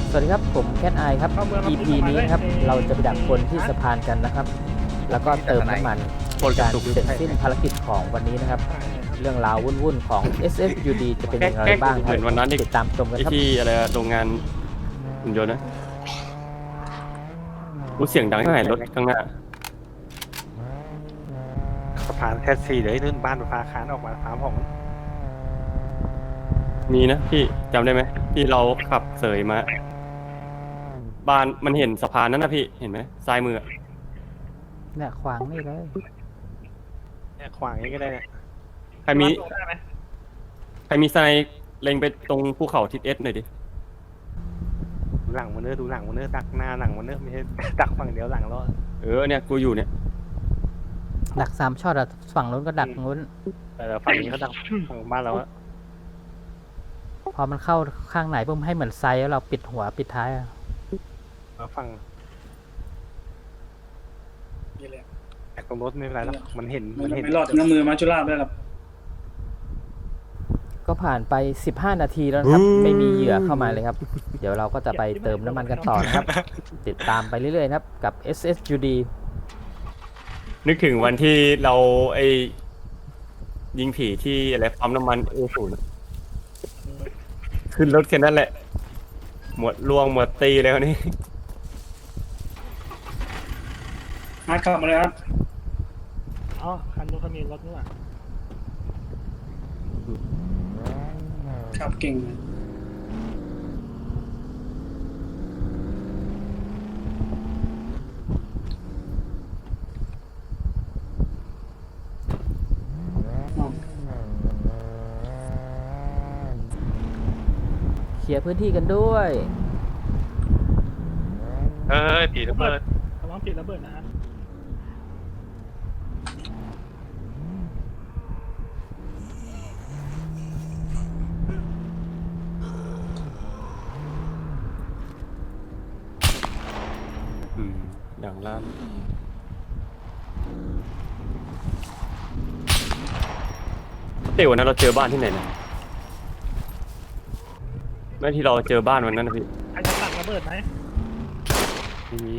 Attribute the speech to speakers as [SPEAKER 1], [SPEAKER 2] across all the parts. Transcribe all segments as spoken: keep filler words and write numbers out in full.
[SPEAKER 1] สวัสดีครับผมแคทไอครับ อี พี นี้ครับเราจะไปดักคนที่สะพานกันนะครับแล้วก็เติมน้ำมันการเสร็จสิ้นภารกิจของวันนี้นะครับเรื่องราววุ่นๆของ เอส เอส ยู ดี จะเป็นอย่างไรบ้างครับติดตามชมกันครับ
[SPEAKER 2] ที่อะไรโรงงานหุ่นยนต์นะรู้เสียงดังที่ไหนรถข้างหน้า
[SPEAKER 3] สะพานแท็กซี่เดี๋ยวนู่นบ้านฟ้าคานออกมาสามของ
[SPEAKER 2] มีนะพี่จำได้ไหมที่เราขับเสยมาบ้านมันเห็นสะพานนั้นนะพี่เห็นไหมซ้ายมือ
[SPEAKER 1] เนี่ยขวางนี่เลย
[SPEAKER 3] เนี่ยขวางอย่างนี้ก็ได้เนี่ย
[SPEAKER 2] ใครมีใครมีไซเล็งไปตรงภูเขาทิศเอสหน่อยดิ
[SPEAKER 3] ดูหลังมันเนื้อดูหลังมันเนื้อดักหน้าหลังมันเนื้อไม่ใช่ดักฝั่งเดียวหลังรอด
[SPEAKER 2] เออเนี่ยกูอยู่เนี่ย
[SPEAKER 1] ดักสามช็อตอะฝั่งนู้นก็ดักนู้น
[SPEAKER 3] แต่ฝั่งนี้เขาดักฝั่งบ้านเราอะ
[SPEAKER 1] พอมันเข้าข้างไหนปุ๊บให้เหมือนไซแล้วเราปิดหัวปิดท้ายอะ
[SPEAKER 3] ฝั่งแต่ตรงรถไม่เป็นไรหรอกมันเห็นมันเห็น
[SPEAKER 4] ไม่รอดน้ำมือมาจุฬาได้หรอ
[SPEAKER 1] ก็ผ่านไปสิบห้านาทีแล้วครับไม่มีเหยื่อเข้ามาเลยครับเดี๋ยวเราก็จะไปเติมน้ำมันกันต่อนะครับติดตามไปเรื่อยๆครับกับ เอส เอส ยู ดี
[SPEAKER 2] นึกถึงวันที่เราไอยิงผีที่อะไรปั๊มน้ำมันเอศูนย์ขึ้นรถแค่นั้นแหละหมดลวงหมดตีแล้วนี่
[SPEAKER 4] มาขับมาเลยครับ
[SPEAKER 5] อ๋อคันนู้นเขามีรถนี่หว่า
[SPEAKER 4] ขับเก่งเลย
[SPEAKER 1] เคลียร์พื้นที่กันด้วย
[SPEAKER 3] เอ้ยผีระเบิด
[SPEAKER 5] ระวังผีระเบิดนะฮะ
[SPEAKER 2] อืมอย่างล่างเดี๋ยววันนั้นเราเจอบ้านที่ไหนนะแม่ที่เราเจอบ้านวันนั้นนะพี่
[SPEAKER 5] ใครจะตัดระเบิดไหม
[SPEAKER 2] ไม่มี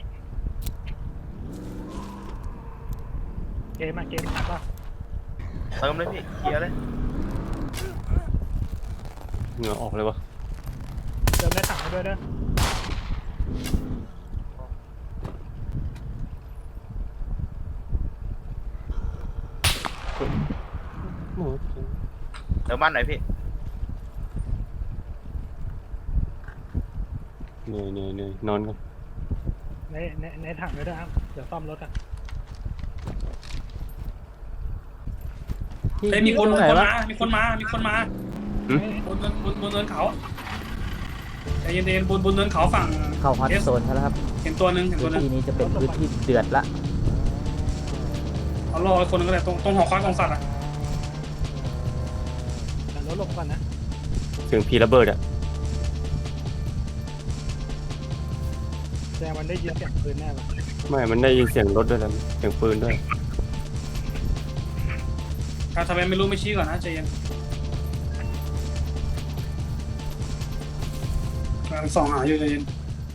[SPEAKER 5] เกมอะเกมตัดป่ะ
[SPEAKER 3] เติมเลยพี่เคลียร์เลย
[SPEAKER 2] เหงื่อออกเลยวะ
[SPEAKER 5] เติมได้ถังไปด้วยเด้อ
[SPEAKER 3] เติมบ้านไหนพี่
[SPEAKER 2] เหนื่อยเหนื่อยเหนื่อยนอนกัน
[SPEAKER 5] ในในในถังด้วยนะครับเดี๋ยวซ่อมรถอ่ะ
[SPEAKER 4] เฮ้ยมีคนมา มีคนมา มีคนมาบนบนบนเนินเขาใจเย็นๆบนบนเนินเขาฝั่ง
[SPEAKER 1] เข้าฮอตโซนแล้วครับ
[SPEAKER 4] เห็นตัวนึงเห็นตัวนึง
[SPEAKER 1] ที่นี้จะเป็นพื้นที่เดือดละ
[SPEAKER 4] เอารอคนนึงก็ได้ตรงตรงหอคอยกองสัตว์อ่ะ
[SPEAKER 5] แต่รถหลบก่อนนะ
[SPEAKER 2] เสียงผีระเบิดอ่ะ
[SPEAKER 5] แต่มันได้ยินเสียงปืนแน่เลย
[SPEAKER 2] ไม่มันได้ยินเสียงรถด้วยแล้วเสียงปืนด้วย
[SPEAKER 4] ถ้าทำไมไม่รู้ไม่ชี้ก่อนนะใจเย็นกำลังส่องหาอยู่ใจเย็น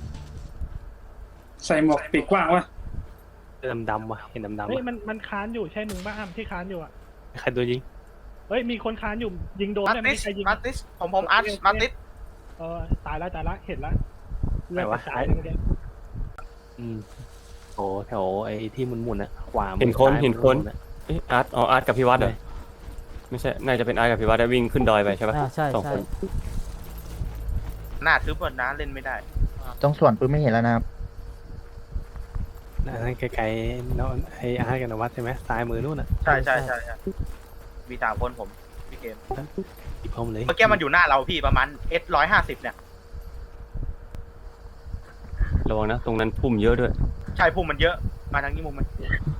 [SPEAKER 4] ใส่หมวกปีกกว้างวะ
[SPEAKER 3] ดำดำว่ะเห็นดำดำ
[SPEAKER 5] เฮ้ยมันมันค้านอยู่ใช่มึงบ้าอ้ำที่ค้านอยู่อ่ะ
[SPEAKER 3] ใครโดนยิง
[SPEAKER 5] เฮ้ยมีคนค้านอยู่ยิงโดนได้ไม่ใครยิง
[SPEAKER 6] มาติสผมผมอาร์ตมาติส
[SPEAKER 5] เออตายแล้วตายแล้วเห็นแล้ว
[SPEAKER 3] ไหนวะอืมโอ้แถวไอ้ที่มุนมุนอะขวา
[SPEAKER 2] เห็นคนเห็นคนเอออาร์ตอ๋ออาร์ตกับพี่วัดเลยไม่ใช่น่าจะเป็นอาร์ตกับพี่วัดได้วิ่งขึ้นดอยไปใช่ปะ
[SPEAKER 1] ใช่
[SPEAKER 2] สองคน
[SPEAKER 6] หน้าทึบหมดนะเล่นไม่ได้
[SPEAKER 7] ตรงส่วนปืนไม่เห็นแล้วนะครับ
[SPEAKER 3] นั่นไกลๆน้องไอ้อาร์ตกับนวัดใช่ไหมซ้ายมือนู่นอะ
[SPEAKER 6] ใช่ใช่ใช่มีสามคนผมพี่เกม
[SPEAKER 3] อีกพร้อมเลย
[SPEAKER 6] เมื่อกี้มันอยู่หน้าเราพี่ประมาณเอสร้อยห้าสิบเนี่ย
[SPEAKER 2] ระวังนะตรงนั้นพุ่มเยอะด้วย
[SPEAKER 6] ใช่พุ่มมันเยอะมาทางนี้มุมมัน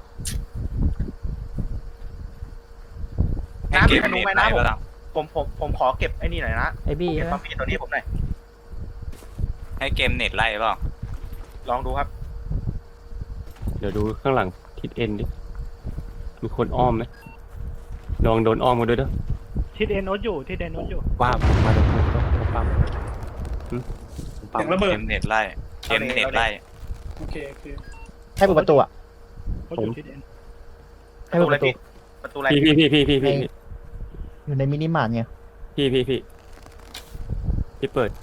[SPEAKER 6] น้ำมีธนูไหมนะผมผมผมขอเก็บไอ้นี่หน่อยนะ
[SPEAKER 1] ไอ้บี้
[SPEAKER 6] เก็บความพีตัวนี้ผมหน่อย
[SPEAKER 8] ให้เกมเน็ตไล่เปล่า
[SPEAKER 6] ลองดูครับ
[SPEAKER 2] เดี๋ยวดูข้างหลังทิศเอ็นดิมีคนอ้อมไหมลองโดนอ้อมมาด้วยเด้อ
[SPEAKER 5] ทิศเอ็นโนตอยู่ทิศเอ็นโนตอยู่
[SPEAKER 3] ว่ามาดูปุ๊บต้องปั๊ม
[SPEAKER 4] เสียงระเบิ
[SPEAKER 8] เก
[SPEAKER 4] ด
[SPEAKER 8] มเน็ตไล่เกมเน็ตไล่
[SPEAKER 4] โอเคโอเค
[SPEAKER 7] ให้เปิดประตูอ่ะ
[SPEAKER 5] เขาอยู่ทิศเอ็น
[SPEAKER 7] ให้เปิดประตู
[SPEAKER 6] ประตูอะไร
[SPEAKER 2] พี่พี่พี่พี่พี่พี่
[SPEAKER 7] อยู่ในมินิมาร์ทไง
[SPEAKER 2] พี่พี่พี่พี่เปิด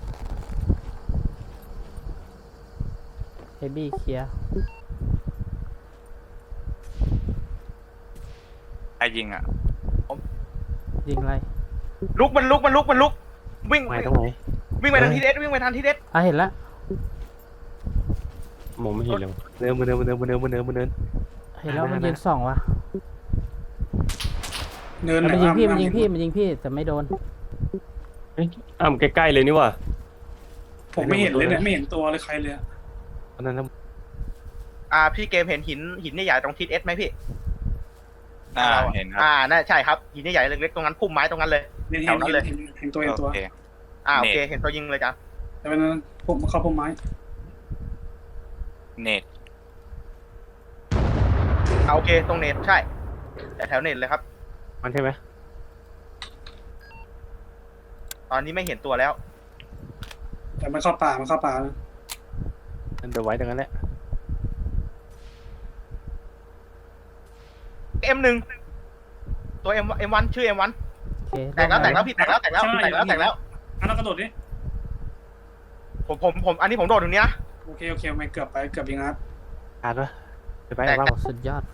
[SPEAKER 1] เฮบี้เคลียร์
[SPEAKER 8] ไอ้ยิงอ่ะ
[SPEAKER 1] ยิงอะไร
[SPEAKER 6] ลุกมันลุกมันลุกมันลุกวิ่ง
[SPEAKER 3] ไปตรงไหน
[SPEAKER 6] วิ่งไปทางทีเอสวิ่งไปทางทีเอส
[SPEAKER 1] อ่ะเห็นแล้ว
[SPEAKER 2] มองไม่เห็นเลย
[SPEAKER 3] เดินมาเดินมาเดินมาเดินมาเดินมาเดิน
[SPEAKER 1] เห็นแล้วมันยิงสองว่ะ
[SPEAKER 4] เนิน
[SPEAKER 1] มันยิงพี่มันยิงพี่มันยิงพี่แต่ไม่โดน
[SPEAKER 2] อ้าวใกล้ๆเลยนี่ว่ะ
[SPEAKER 4] ผมไม่เห็นเลยเนี่ยไม่เห็นตัวเลยใครเลยอะ
[SPEAKER 3] ตอนนั้น
[SPEAKER 6] อ่าพี่เกมเห็นหินหินใหญ่ๆตรงทีเอสไหมพี่
[SPEAKER 8] อ่าเห็นครับ
[SPEAKER 6] อ่าน่าใช่ครับหินใหญ่ๆเล็กๆตรงนั้นพุ่มไม้ตรงนั้นเลย
[SPEAKER 4] เห็น
[SPEAKER 6] แถ
[SPEAKER 4] เห็
[SPEAKER 6] วน นั้นเลย
[SPEAKER 4] เห็นเห็นตัวเห็นตัว
[SPEAKER 8] โอเค
[SPEAKER 6] อ่าโอเค
[SPEAKER 8] เน็ต
[SPEAKER 6] เห็นตัวยิงเลยจ้ะ
[SPEAKER 4] แต่เป็นผมเข้าพุ่มไม้
[SPEAKER 8] เน็ต
[SPEAKER 6] อ่าโอเคตรงเน็ตใช่แต่แถวเน็ตเลยครับ
[SPEAKER 3] มันใช่ไหม
[SPEAKER 6] ตอนนี้ไม่เห็นตัวแล้ว
[SPEAKER 4] แต่มันเข้าป่ามันเข้าป่านะ
[SPEAKER 3] มันจะไว้ตรงนั้นแหละ
[SPEAKER 6] เอ็มหนึ่งตัวเอ็มเอ็มวันชื่อเอ็มวัน
[SPEAKER 1] โอเค
[SPEAKER 6] แตกแล้วแตกแล้วพี่แตกแล้วแตกแล้วแตกแล้วแตกแล้ว
[SPEAKER 4] อันนั้นกระโดดดิ
[SPEAKER 6] ผมผมผมอันนี้ผมโดดตรงนี้นะ
[SPEAKER 4] โอเคโอเคไม่เกือบไปเกือบยิงอาร์ต
[SPEAKER 3] อ่านวะไปไป
[SPEAKER 6] แตก
[SPEAKER 3] บ้าง
[SPEAKER 1] สุดยอด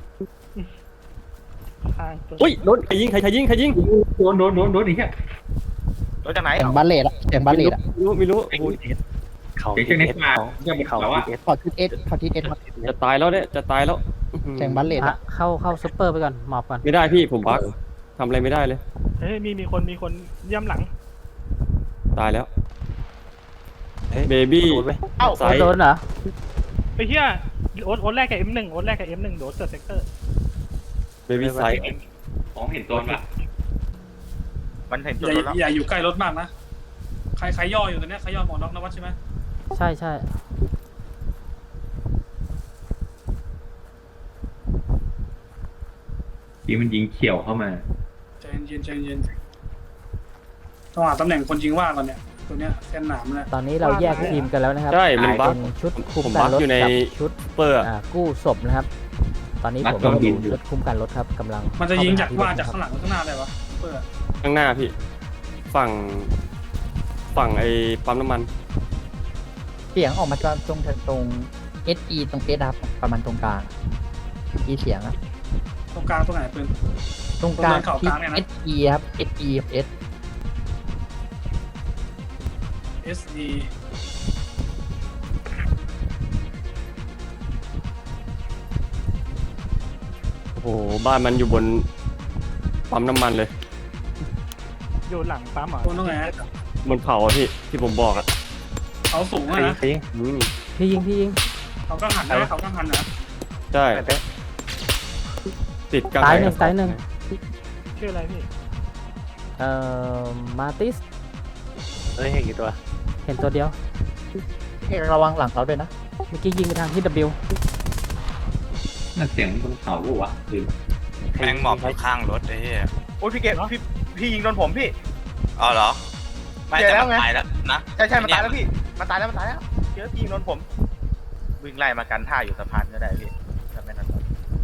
[SPEAKER 5] ข้างตัว
[SPEAKER 2] อุ้ยโดนใครยิงใครใครยิงใครยิง
[SPEAKER 9] โดนโดนโดนโดนอีกอ่ะ
[SPEAKER 6] โดดจากไหน
[SPEAKER 7] เสียงบัลเลตอะเสียงบัลเลตอะ
[SPEAKER 2] ไม่รู้ไม่รู้
[SPEAKER 3] เขา
[SPEAKER 9] เดี๋ยวเจอในป่า
[SPEAKER 3] เรื่องเขาเอส
[SPEAKER 7] ขอทิศเอสขอทิศเอส
[SPEAKER 2] จะตายแล้วเนี่ยจะตายแล้ว
[SPEAKER 7] เสียงบัลเลต
[SPEAKER 1] อ่ะ
[SPEAKER 7] อะ
[SPEAKER 1] เข้าเข้าซุปเปอร์ไปก่อนหมอบก่อน
[SPEAKER 2] ไม่ได้พี่ผมบั๊กทำอะไรไม่ได้เลย
[SPEAKER 5] เฮ้ยมีมีคนมีคนย่ำหลัง
[SPEAKER 2] ตายแล้วเบบี้
[SPEAKER 3] โดนไหม
[SPEAKER 6] เอ้า
[SPEAKER 2] ซ้าย
[SPEAKER 1] โดนเหรอ
[SPEAKER 5] ไปเฮียโอ๊ตโอ๊ตแรกกับ เอ็ม หนึ่ง โอ๊ตแรกกับ เอ็ม หนึ่ง โดดเซอร์เซกเตอร์
[SPEAKER 2] เบบี้ไซส์
[SPEAKER 9] ของเห็นตัวป่ะ
[SPEAKER 6] มันเห็น
[SPEAKER 4] อ
[SPEAKER 6] ตัว
[SPEAKER 4] ย่า
[SPEAKER 6] แล้ว
[SPEAKER 4] อย่าอยู่ใกล้รถมากนะใครใครย่ออยู่ตรงเนี้ยใครย่อหมอน็อกนวัดใช่ไหม
[SPEAKER 1] ใช่ใช่
[SPEAKER 9] ที่มันยิงเขียวเข้ามา
[SPEAKER 4] ใจเย็นใจเย็นต้องหาตำแหน่งคนยิงว่างก่อนเนี่ยตัวเนี้ยเส้นหนามเนี่ย
[SPEAKER 1] ตอนนี้เราแยกทีมกันแล้วนะครับ
[SPEAKER 2] ใช่มันบั๊ก
[SPEAKER 1] เป็นชุด
[SPEAKER 2] ผ
[SPEAKER 1] คุ้ม
[SPEAKER 2] ม
[SPEAKER 1] กั
[SPEAKER 2] บั๊
[SPEAKER 1] น
[SPEAKER 2] ก
[SPEAKER 1] รถ
[SPEAKER 2] อยู่ใน
[SPEAKER 1] กับชุด
[SPEAKER 2] เปอร์อะ
[SPEAKER 1] อ่ากู้ศพนะครับ ตอนนี้ผม
[SPEAKER 9] บั๊ก
[SPEAKER 1] ก็
[SPEAKER 9] โดนยิ
[SPEAKER 1] อง ยู่ชุดคุ้มกันรถครับกำลัง
[SPEAKER 4] มันจะยิงจาก
[SPEAKER 1] เข้ไป
[SPEAKER 4] ว่า
[SPEAKER 1] ห
[SPEAKER 4] จากข้างหลังหรือข้างหน้าได้ปะเปิด
[SPEAKER 2] ข้างหน้าพี่ ฝั่ง ฝั่งไอ้ปั๊มน้ำมัน
[SPEAKER 7] เสียงออกมาจากตรงตรงเอสอีตรงเอสครับประมาณตรงกลางอีเสียงอะ
[SPEAKER 4] ตรงกลางตรงไหนปืน
[SPEAKER 7] ตรงกลาง
[SPEAKER 4] ตรงเนินเขาก
[SPEAKER 7] ที่
[SPEAKER 4] ลางเนี่ยนะ
[SPEAKER 7] เอสอีครับเอสอีเอส
[SPEAKER 4] เอสดี
[SPEAKER 2] โอ้โห บ้านมันอยู่บนปั๊มน้ำมันเลย
[SPEAKER 5] อยู่หลังปั๊มเหรอ
[SPEAKER 4] ตัวตรงไหน
[SPEAKER 2] บนเขาอะพี่ ที่ผมบอกอะ
[SPEAKER 4] เขาสูง
[SPEAKER 3] ใคร
[SPEAKER 4] อะ
[SPEAKER 3] ยิง
[SPEAKER 4] นะ
[SPEAKER 3] ใครยิง
[SPEAKER 2] อืม
[SPEAKER 1] พี่ยิงพี่ยิง
[SPEAKER 4] เขาก็หันนะเขาก็หันนะ
[SPEAKER 2] ใช่
[SPEAKER 3] ไปไป
[SPEAKER 2] ติดกลาง
[SPEAKER 1] ตาย
[SPEAKER 2] ไห
[SPEAKER 1] หนึ่งตายหนึ่ง
[SPEAKER 5] ชื่ออะไรพี่
[SPEAKER 1] เอ่อมาติส
[SPEAKER 3] เฮ้ยเห็นกี่ตัว
[SPEAKER 1] เห็นตัวเดียว
[SPEAKER 7] ให้ระวังหลังเราด้วยนะ
[SPEAKER 1] เมื่อกี้ยิงไปทางที่ W
[SPEAKER 9] นั่นเสียงบนเขาวะคือ
[SPEAKER 8] แม่งหมอบอยู่ข้างรถไอ้เหี้ย
[SPEAKER 6] โอ้ยพี่เกมพี่พี่ยิงโดนผมพี่
[SPEAKER 8] อ๋อเหรอ ไม่
[SPEAKER 6] เจอ
[SPEAKER 8] แต่
[SPEAKER 6] แล้ว
[SPEAKER 8] มัน
[SPEAKER 6] ไง
[SPEAKER 8] ตายแล้วนะ
[SPEAKER 6] ใช่ใช่มันตายแล้วพี่มันตายแล้วมันตายแล้วเจอพี่ยิงโดนผม วิ่งไล่มากันท่าอยู่สะพานก็ได้พี่ทำไม่นั้น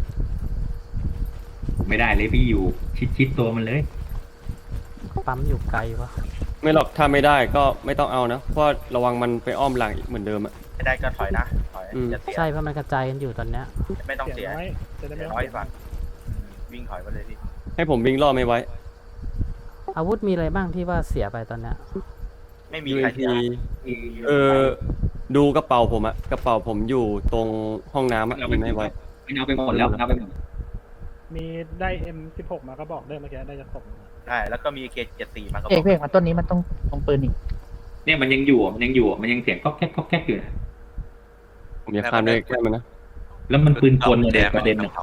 [SPEAKER 9] ไม่ได้เลยพี่อยู่ชิดชิดตัวมันเลย
[SPEAKER 1] ปั๊มอยู่ไกลวะ
[SPEAKER 2] ไม่หรอก ถ้าไม่ได้ก็ไม่ต้องเอานะ เพราะระวังมันไปอ้อมหลังอีกเหมือนเดิมอะ
[SPEAKER 6] ไม่ได้ก็ถอยนะถอย
[SPEAKER 2] อืม
[SPEAKER 6] จะเสีย
[SPEAKER 1] ใช่เพราะมันกระจายกันอยู่ตอนเนี้ย
[SPEAKER 6] ไม่ต้อง
[SPEAKER 5] เสีย
[SPEAKER 6] เสีย
[SPEAKER 5] น้อยจะได้
[SPEAKER 6] เสี
[SPEAKER 5] ไม่
[SPEAKER 6] ย
[SPEAKER 5] ต้อง
[SPEAKER 6] น้อย
[SPEAKER 5] เสีย
[SPEAKER 6] ฝั่งวิ่งถอยมาเลยพี่
[SPEAKER 2] ให้ผมวิ่งล่อไม่ไว้
[SPEAKER 1] อาวุธมีอะไรบ้างที่ว่าเสียไปตอนเนี้ย
[SPEAKER 6] ไม่มี
[SPEAKER 2] ยู
[SPEAKER 6] ใคร
[SPEAKER 2] เอ
[SPEAKER 6] เสีย
[SPEAKER 2] เออ ดูกระเป๋าผมอะกระเป๋าผมอยู่ตรงห้องน้ำอะมีไม่ไว้
[SPEAKER 9] ไม่เอาไปหมดแล้วเอาไปหมด
[SPEAKER 5] มีได้ เอ็ม สิบหก มาก็บอกได้เมื่อกี้ได้จะตก
[SPEAKER 6] ใช่แล้วก็มีเคเจ็ดสี่มาก็บ
[SPEAKER 7] เอ
[SPEAKER 6] อก ก
[SPEAKER 7] เพลงมาต้นนี้มันต้องตรงปืนอีก
[SPEAKER 9] เนี่ยมันยังอยู่อะมันยังอยู่อะมันยังเสียงก๊อกแก๊กก๊อกแก๊กอยู่นะ
[SPEAKER 2] ผมจะข้ามด้วยแค่มันนะ
[SPEAKER 9] แล้วมันปืนกล
[SPEAKER 8] อา
[SPEAKER 9] เด็
[SPEAKER 8] แด
[SPEAKER 9] ก
[SPEAKER 8] ง
[SPEAKER 9] ประเด็น
[SPEAKER 8] มา
[SPEAKER 9] เนี่ย
[SPEAKER 8] เขา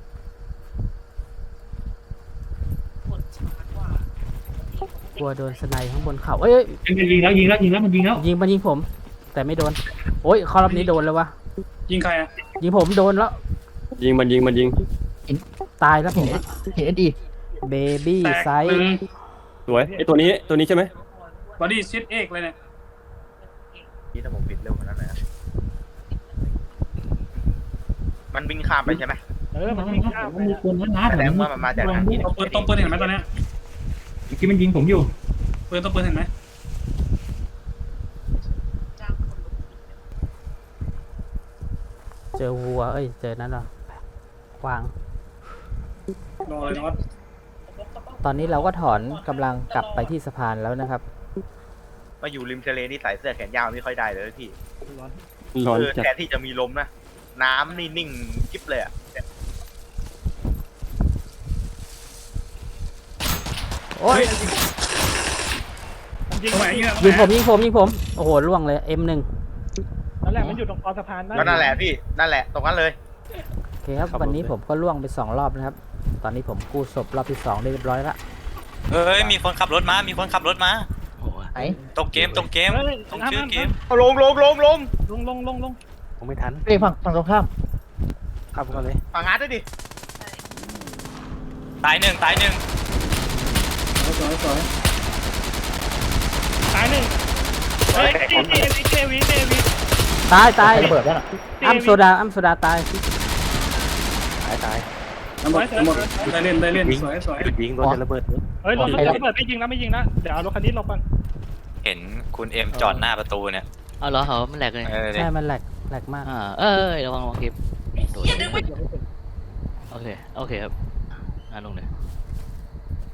[SPEAKER 1] กลัวโดนสไนข้างบนเขาเอ้ย
[SPEAKER 9] มันยิงแล้วยิงแล้วยิงแล้วมันยิงแล้ว
[SPEAKER 1] ยิงมันยิงผม แต่ไม่โดน โอ้ยคอรอบนี้โดนแล้ววะ
[SPEAKER 4] ยิงใครอะ
[SPEAKER 1] ยิงผมโดนแล้ว
[SPEAKER 2] ยิงมันยิงมันยิง
[SPEAKER 1] ตายแล้วผม
[SPEAKER 7] เห็นเห็นเอสอี
[SPEAKER 1] เบบี้
[SPEAKER 4] แตก
[SPEAKER 1] ไซ
[SPEAKER 4] หนึ่ง
[SPEAKER 1] ส์
[SPEAKER 2] สวยไอตัวนี้ตัวนี้ใช่ไหม
[SPEAKER 4] บอดี้ชิดเอกเลยเนี่ย
[SPEAKER 6] พี่ถ้าผมปิดเร็วกว่านั้นเลยนะมันวิ่งข้ามไปใช่ไหม
[SPEAKER 5] เออมันวิ่งข้ามไป
[SPEAKER 9] มี
[SPEAKER 5] อะ
[SPEAKER 9] คนนะนะ
[SPEAKER 6] แสดงว่ามันมาจากทางนี้
[SPEAKER 4] ต้องปืนต้องปืนเห็นไหมตอนเนี้ย
[SPEAKER 9] เมื่อกี้มันยิงผมอยู่
[SPEAKER 4] ปืนต้องปืนเห็นไหม
[SPEAKER 1] เจอวัวเอ้ยเจอนั่นเหรอกวาง
[SPEAKER 4] รอเลยนะว่า
[SPEAKER 1] ตอนนี้เราก็ถอนกำลังกลับไปที่สะพานแล้วนะครับ
[SPEAKER 6] มาอยู่ริมทะเลนี่ใส่เสื้อแขนยาวไม่ค่อยได้เลยพี่
[SPEAKER 2] ร้อน
[SPEAKER 6] เออ
[SPEAKER 2] จัด
[SPEAKER 6] แทนที่จะมีลมนะน้ำนี่นิ่งกิ๊บเลยอะ
[SPEAKER 1] โอ้ย
[SPEAKER 5] มันยิง
[SPEAKER 4] ตรงไหนยิงอะ
[SPEAKER 1] ยิงผมยิงผมยิงผมโอ้โหล่วงเลย เอ็ม หนึ่ง
[SPEAKER 5] นั่นแหละมันอยู่ตรงคอสะพาน
[SPEAKER 6] ก็นั่นแหละพี่นั่นแหละตรงนั้นเลย
[SPEAKER 1] โอเคครับวันนี้ผมก็ล่วงไปสองรอบนะครับ ตอนนี้ผมกู้ศพรอบที่สองได้เรียบร้อยละ
[SPEAKER 8] เฮ้ยมีคนขับรถมา มีคนขับรถมา
[SPEAKER 3] โอ้ย
[SPEAKER 7] ไหน
[SPEAKER 8] ตรงเกมตรงเกม
[SPEAKER 5] เฮ้ย
[SPEAKER 8] ตรง
[SPEAKER 5] น้ำ
[SPEAKER 8] ชื่อ
[SPEAKER 5] น้ำ
[SPEAKER 8] เกม
[SPEAKER 6] เอาลงลงลงลง
[SPEAKER 5] ลงลงลงลง
[SPEAKER 3] ผมไม่ทัน
[SPEAKER 7] เฮ้ยฝั่งฝั่งตรงข้าม
[SPEAKER 3] ขับก่อนเลย
[SPEAKER 6] ฝั่งฮาร์ดด้วยดิ
[SPEAKER 8] ตายหนึ่งตายหนึ่ง
[SPEAKER 4] สวยสวย
[SPEAKER 5] ตายหนึ่งเฮ้ยเจวีเจวีเจวี
[SPEAKER 1] ตายตาย
[SPEAKER 7] ระเบิดแล้วน่ะ
[SPEAKER 1] อ้ำโซดาอ้ำโซดาตาย
[SPEAKER 3] ตายตาย
[SPEAKER 4] น้ำหมดน้ำหมดได้เล่นได้เล่นสวยสวย
[SPEAKER 3] หยุดยิงโดนจะระเบิดเลย
[SPEAKER 5] เฮ้ยรถระเบิดไม่ยิงแล้วไม่ยิงนะเดี๋ยวเอารถคันนี้ลงก่อน
[SPEAKER 8] เห็นคุณเอ็มจอดหน้าประตูเนี่ย
[SPEAKER 10] เอาเหรอเหรอมันแหลกเลย
[SPEAKER 8] เออ
[SPEAKER 1] ใช่มันแหลกแหลกมาก
[SPEAKER 10] อ่าเออระวังระวังคลิปโดดโอเค โอเคครับอ่าลงเลย